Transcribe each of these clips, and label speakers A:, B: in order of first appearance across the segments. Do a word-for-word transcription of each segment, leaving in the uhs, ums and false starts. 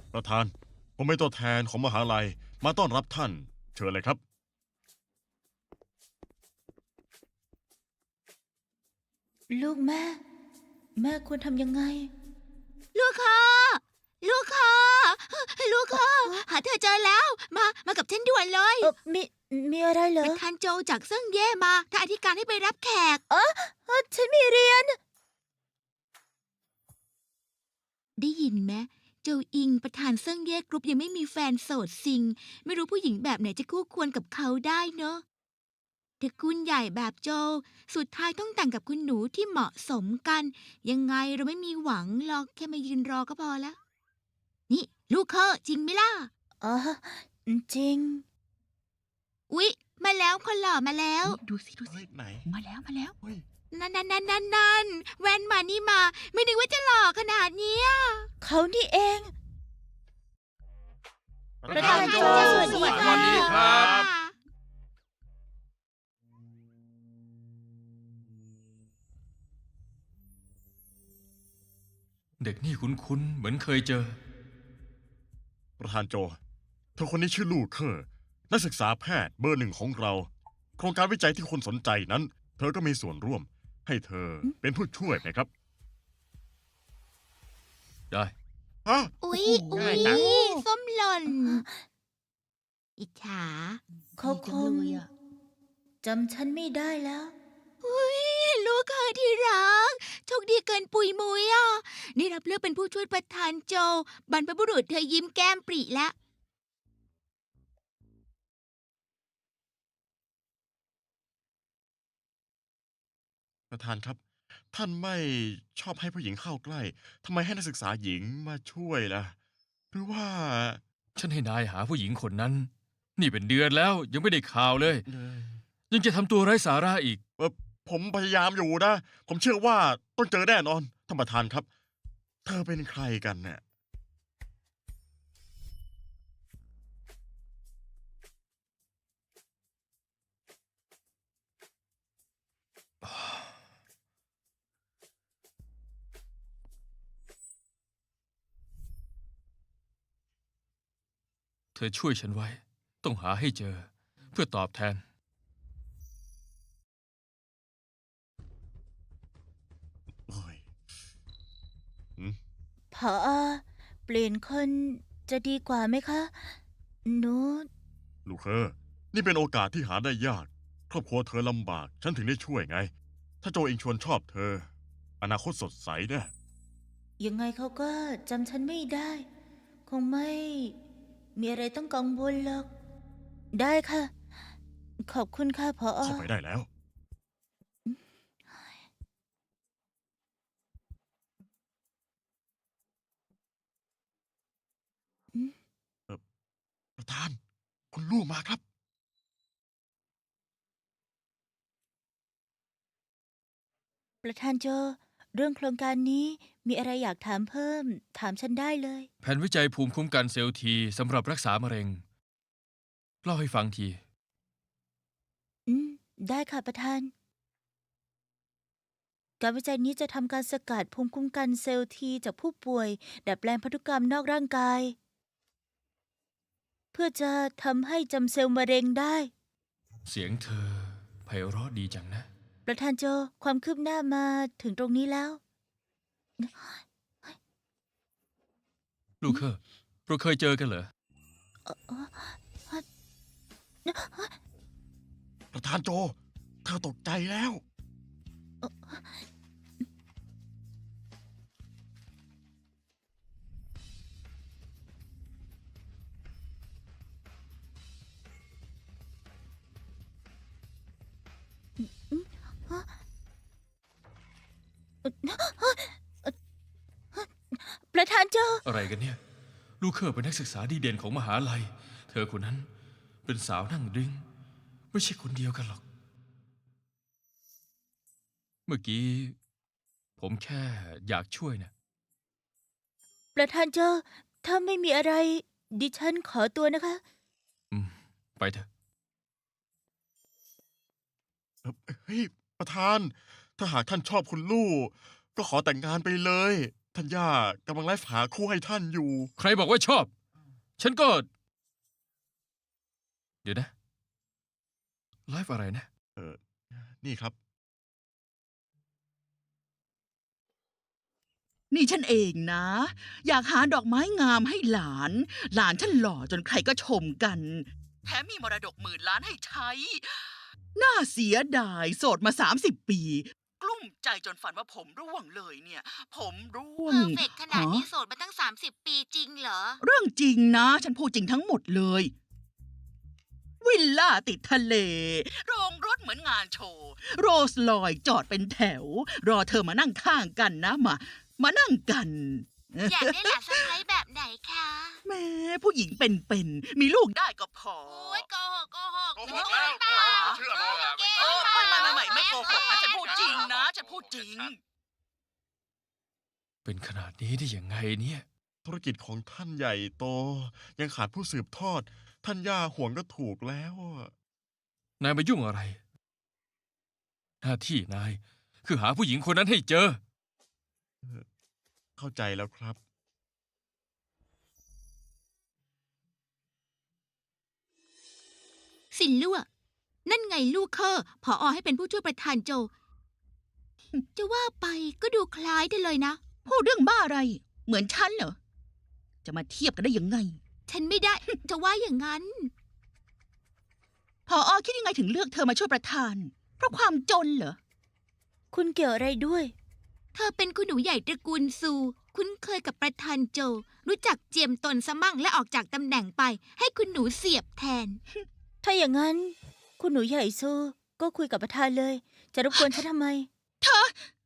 A: ประธานผมเป็นตัวแทนของมหาลัยมาต้อนรับท่านเชิญเลยครับ
B: ลูกแม่ แม่ควรทำยังไง
C: ลูกค่ะลูกค่ะลูกค่ะหาเธอเจอแล้ว มา มากับฉันด่วนเลย
B: เออมีมีอะไรเหรอ
C: ประธานโจจากเซิ่งเย่มาถ้าอธิการให้ไปรับแขก
B: เออฉันมีเรียน
C: ได้ยินไหมโจอิงประธานเซิ่งเย่กรุ๊ปยังไม่มีแฟนโสดซิง ไม่รู้ผู้หญิงแบบไหนจะคู่ควรกับเขาได้เนอะตระกูลใหญ่แบบโจ สุดท้ายต้องแต่งกับคุณหนูที่เหมาะสมกัน ยังไงเราไม่มีหวังหรอกแค่มายืนรอก็พอแล้ว นี่ ลูกเคอจริงไหมล่ะ
B: อ๋อ จริง
C: อุ๊ย มาแล้วคนหล่อมาแล้ว
D: ดูสิดูสิ
A: เฮ้ยไหน
D: มาแล้วมาแล้ว
A: เฮ้ย
C: นั่นนั่นนั่นนั่นนั่นแว่นมานี่มา ไม่นึกว่าจะหล่อขนาดเนี้ย
B: เขานี่เอง ประธานโจ
C: สวัสดี
B: สวัส
C: ค่ะ
B: ดี
E: ครับ เด็กนี่คุ้นๆเหมือนเคยเจอ
A: ประธานโจเธอคนนี้ชื่อลู่เคอร์นักศึกษาแพทย์เบอร์หนึ่งของเรา โครงการวิจัยที่คนสนใจนั้น เธอก็มีส่วนร่วม ให้เธอเป็นผู้ช่วยไหมครับ
E: ได้
A: ฮะ
C: อุ๊ย
A: โอ้
C: อุ๊
A: โหง่ายจัง
C: ยส้มหล่น อิจฉา
B: เขาคง
D: ดีจังเลยอะ
B: จำฉันไม่ได้แล้ว
C: อุ๊ย ลูกเคยที่รัก โชคดีเกินปุยมุยอ่ะได้รับเลือกเป็นผู้ช่วยประธานโจ บรรพบุรุษเธอยิ้มแก้มปริแล้ว
A: ประธานครับ ท่านไม่ชอบให้ผู้หญิงเข้าใกล้ทำไมให้นักศึกษาหญิงมาช่วยล่ะ หรือว่า
E: ฉันให้นายหาผู้หญิงคนนั้น นี่เป็นเดือนแล้วยังไม่ได้ข่าวเลย
A: เอ่อ
E: ยังจะทำตัวไร้สาระอีก
A: เอ่อผมพยายามอยู่นะ ผมเชื่อว่าต้องเจอแน่นอนท่านประธานครับ เธอเป็นใครกันเนี่ย
E: เธอช่วยฉันไว้ ต้องหาให้เจอ เพื่อตอบแทน
A: โอ้ย
B: ผอ เปลี่ยนคนจะดีกว่าไหมคะ หนู
A: ลูกเคอนี่เป็นโอกาสที่หาได้ยาก ครอบครัวเธอลำบาก ฉันถึงได้ช่วยไง ถ้าโจเองชวนชอบเธอ อนาคตสดใสแน่
B: ยังไงเขาก็จำฉันไม่ได้ คงไม่ มีอะไรต้องกังวลหรอก ได้ค่ะ ขอบคุณค่ะผอ
A: เข้าไปได้แล้ว เอ่อประธาน คุณลู่มาครับ
B: ประธานโจ เรื่องโครงการนี้มีอะไรอยากถามเพิ่ม ถามฉันได้เลย
E: แผนวิจัยภูมิคุ้มกันเซลล์ทีสำหรับรักษามะเร็ง เล่าให้ฟังที
B: อืม ได้ค่ะประธาน การวิจัยนี้จะทำการสกัดภูมิคุ้มกันเซลล์ทีจากผู้ป่วย ดัดแปลงพันธุกรรมนอกร่างกาย เพื่อจะทำให้จำเซลล์มะเร็งได้
E: เสียงเธอไพเราะดีจังนะ
B: ประธานโจ ความคืบหน้ามาถึงตรงนี้แล้ว
E: ลูกเคอร์เราเคยเจอกันเหรอ
A: ประธานโจ เธอตกใจแล้ว
B: ประธานโจ
E: อะไรกันเนี่ย ลูกเคอร์เป็นนักศึกษาดีเด่นของมหาลัย เธอคนนั้นเป็นสาวนั่งดริ้งไม่ใช่คนเดียวกันหรอก เมื่อกี้ ผมแค่อยากช่วยนะ
B: ประธานโจ ถ้าไม่มีอะไร ดิฉันขอตัวนะคะ
E: อืม ไปเถอะ
A: เอ่อเฮ้ย ประธาน ถ้าหากท่านชอบคุณลู่ ก็ขอแต่งงานไปเลยท่านย่ากำลังไลฟ์หาคู่ให้ท่านอยู่
E: ใครบอกว่าชอบ ฉันก็ เดี๋ยวนะ ไลฟ์อะไรนะ
A: เออ นี่ครับ
D: นี่ฉันเองนะ อยากหาดอกไม้งามให้หลาน หลานฉันหล่อจนใครก็ชมกัน แถมมีมรดกหมื่นล้านให้ใช้ น่าเสียดายโสดมาสามสิบปี กลุ้มใจจนฝันว่าผมร่วงเลยเนี่ย ผมร่ว
C: เพ
D: ง
C: อร์เฟกขนาดนี้
D: ฮะ
C: โสดมาตั้งสามสิบปีจริงเหรอ
D: เรื่องจริงนะ ฉันพูดจริงทั้งหมดเลย วิลล่าติดทะเล โรงรถเหมือนงานโชว์ โรลส์รอยซ์จอดเป็นแถว รอเธอมานั่งข้างกันนะมา มานั่งกัน
C: อยากได้หลานสะใภ้แบบไหนคะ
D: แม่ผู้หญิงเป็นๆมีลูกได้ก็พอ
C: โอ้ยโกหกโกหก
A: โกหกแล้ว
C: เปล่า
A: เชื่อเลยอะ
C: เก่ง
D: เออ
C: เป
D: ไม่
C: ล่า
D: ไม่ไม่ไม่ไม่โกหกนะฉันพูดจริงนะฉันพูดจริง
E: เป็นขนาดนี้ได้ยังไงเนี่ย
A: ธุรกิจของท่านใหญ่โต ยังขาดผู้สืบทอด ท่านย่าห่วงก็ถูกแล้วอะ
E: นายมายุ่งอะไร หน้าที่นาย คือหาผู้หญิงคนนั้นให้เจอ
A: เข้าใจแล้วครับ
C: สินลั่วนั่นไงลูกเคอร์ผอให้เป็นผู้ช่วยประธานโจ จะว่าไปก็ดูคล้ายกันเลยนะ
D: พูดเรื่องบ้าอะไร เหมือนฉันเหรอ จะมาเทียบกันได้ยังไง
C: ฉันไม่ได้ จะว่าอย่างนั้น
D: พออคิดยังไงถึงเลือกเธอมาช่วยประธาน เพราะความจนเหรอ
B: คุณเกี่ยวอะไรด้วย
C: เธอเป็นคุณหนูใหญ่ตระกูลซู คุ้นเคยกับประธานโจ รู้จักเจียมตนสมั่งและออกจากตำแหน่งไป ให้คุณหนูเสียบแทน
B: ถ้าอย่างนั้น คุณหนูใหญ่ซูก็คุยกับประธานเลย จะรบกวนฉันทำไม
D: เธอ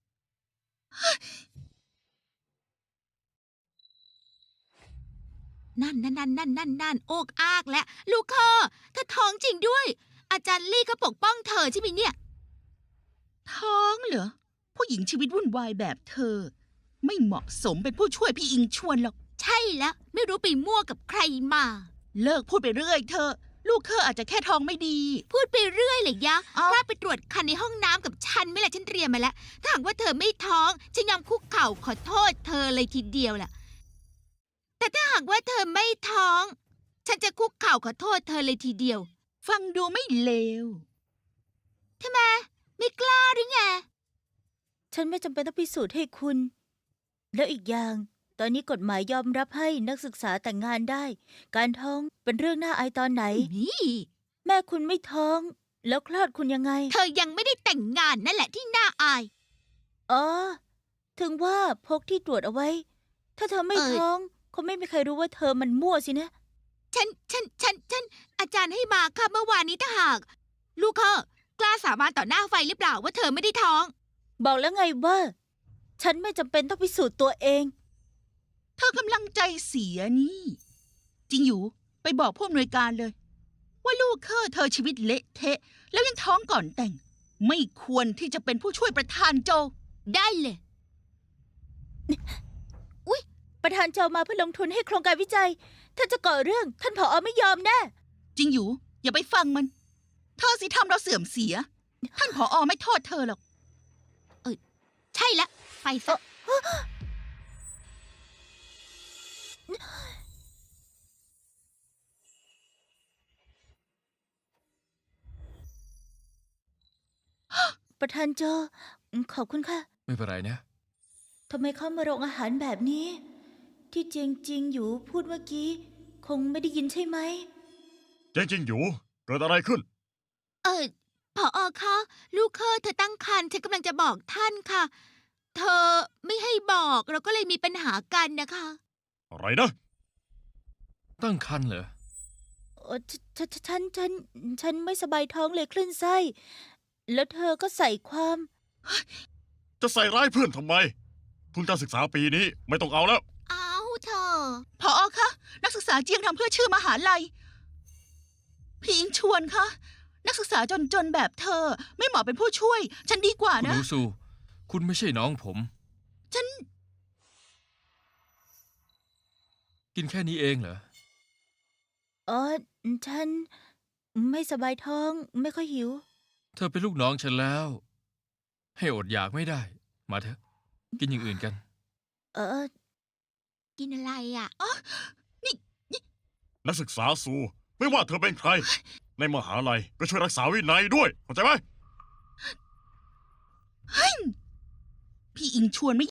C: นั่นนั่นนั่นนั่นนั่นนั่นโอกอากและลูกเคอร์เธอท้องจริงด้วย อาจารย์ลี่ก็ปกป้องเธอใช่ไหมเนี่ย
D: ท้องเหรอ ผู้หญิงชีวิตวุ่นวายแบบเธอ ไม่เหมาะสมเป็นผู้ช่วยพี่อิงชวนหรอก
C: ใช่แล้วไม่รู้ไปมั่วกับใครมา
D: เลิกพูดไปเรื่อยเธอะลูกเคออาจจะแค่ท้องไม่ดี
C: พูดไปเรื่อยเลยยะ
D: เอ้า
C: พลาดไปตรวจคันในห้องน้ำกับฉันไหม่ละฉันเตรียมมาแล้ว ถ้าหากว่าเธอไม่ท้อง ฉันยอมคุกเข่าขอโทษเธอเลยทีเดียวล่ะ แต่ถ้าหากว่าเธอไม่ท้อง ฉันจะคุกเข่าขอโทษเธอเลยทีเดียว
D: ฟังดูไม่เลว
C: ทำไมไม่กล้าหรือไง
B: ฉันไม่จำเป็นต้องพิสูจน์ให้คุณ แล้วอีกอย่าง ตอนนี้กฎหมายยอมรับให้นักศึกษาแต่งงานได้ การท้องเป็นเรื่องน่าอายตอนไหน
C: นี่
B: แม่คุณไม่ท้อง แล้วคลอดคุณยังไง
C: เธอยังไม่ได้แต่งงานนั่นแหละที่น่าอาย
B: อ๋อ ถึงว่าพกที่ตรวจเอาไว้ ถ้าเธอไม่
C: เอ่อ
B: ท้องคงไม่มีใครรู้ว่าเธอมันมั่วสินะ
C: ฉัน ฉัน ฉัน ฉัน อาจารย์ให้มาค่ะเมื่อวานนี้ถ้าหาก ลูกเคอกล้าสาบานต่อหน้าไฟหรือเปล่าว่าเธอไม่ได้ท้อง
B: บอกแล้วไงว่า ฉันไม่จำเป็นต้องพิสูจน์ตัวเอง
D: เธอกำลังใจเสียนี่ จริงอยู่ ไปบอกผู้อำนวยการเลย ว่าลูกเคอเธอชีวิตเละเทะ แล้วยังท้องก่อนแต่ง ไม่ควรที่จะเป็นผู้ช่วยประธานโจ
C: ได้เลย
B: ประธานเจ้ามาเพื่อลงทุนให้โครงการวิจัย ถ้าจะก่อเรื่องท่านผอไม่ยอมแน่
D: จริงอยู่ อย่าไปฟังมัน เธอสิทำเราเสื่อมเสีย ท่านผอไม่โทษเธอหรอก
C: ใช่ละไปซะ
B: ประธานโจอืมขอบคุณค่ะ
E: ไม่เป็นไรนะ
B: ทำไมเข้ามาโรงอาหารแบบนี้ ที่จริงจริงๆอยู่พูดเมื่อกี้ คงไม่ได้ยินใช่ไหม
A: จริงๆอยู่ เกิดอะไรขึ้น
C: เออผออคะ ลูกเคอเธอตั้งครรภ์ฉันกำลังจะบอกท่านค่ะ เธอไม่ให้บอกเราก็เลยมีปัญหากันนะคะ
A: อะไรนะ
E: ตั้งครรภ์เหรอ
B: เออฉฉฉฉันฉันฉันไม่สบายท้องเลยคลื่นไส้ แล้วเธอก็ใส่ความ
A: จะใส่ร้ายเพื่อนทำไม ทุนการศึกษาปีนี้ไม่ต้องเอาแล้ว
C: อ้าวเธอ
D: ผอคะ นักศึกษาเจียงทำเพื่อชื่อมหาลัย พี่อิงชวนคะ นักศึกษาจนๆแบบเธอ ไม่เหมาะเป็นผู้ช่วย ฉันดีกว่า
E: คุณห
D: นะ
E: นูซู คุณไม่ใช่น้องผม
D: ฉัน
E: กินแค่นี้เองเหรอ
B: อ๋อ ฉันไม่สบายท้องไม่ค่อยหิว
E: เธอเป็นลูกน้องฉันแล้ว ให้อดอยากไม่ได้ มาเถอะ กินอย่างอื่นกัน
B: เออ
C: กินอะไรอ่ะ
A: นักศึกษาซู ไม่ว่าเธอเป็นใคร ในมหาลัยก็ช่วยรักษาวินัยด้วย เข้าใจไหม
D: พี่อิงชวนไม่